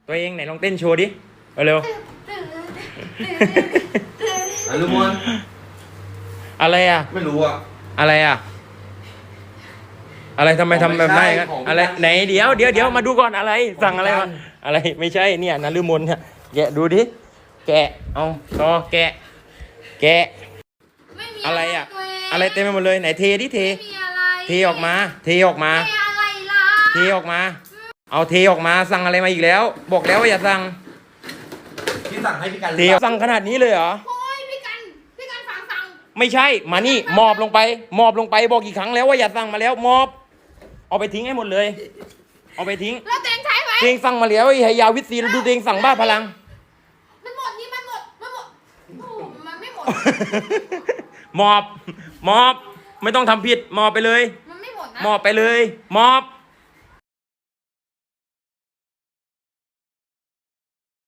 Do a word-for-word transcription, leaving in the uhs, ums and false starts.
ตัวเองไหนลองเต้นโชว์ดิเอาเร็วอนุมนอะไรอ่ะไม่รู้อ่ะอะไรอ่ะอะไรทำไมทำแบบนั้นกันอะไรไหนเดี๋ยวเดี๋ยวเดี๋ยวมาดูก่อนอะไรสั่งอะไรก่อนอะไรไม่ใช่เนี่ยนฤมลเนี่ยแกะดูดิแกะเอาต่อแกะแกะอะไรอ่ะอะไรเต็มไปหมดเลยไหนเทดิเทเทออกมาเทออกมาเทออกมาเอาเทออกมาสั่งอะไรมาอีกแล้ว บอกแล้วว่าอย่าสั่งพี่สั่งให้พี่กันเทสั่งขนาดนี้เลยเหรอโอ้ยพี่กันพี่กันฟังฟังไม่ใช่มานี่มอบลงไปมอบลงไปบอกกี่ครั้งแล้วว่าอย่าสั่งมาแล้วมอบเอาไปทิ้งให้หมดเลยเอาไปทิ้งแล้วเต็งใช้ไหมเองสั่งมาแล้วไอ้ยาวิตซีแล้วดูเองสั่งบ้าพลังมันหมดนี่มันหมดมันหมดโอ้โหมันไม่หมดมอบมอบไม่ต้องทำผิดมอบไปเลยมันไม่หมดนะมอบไปเลยมอบ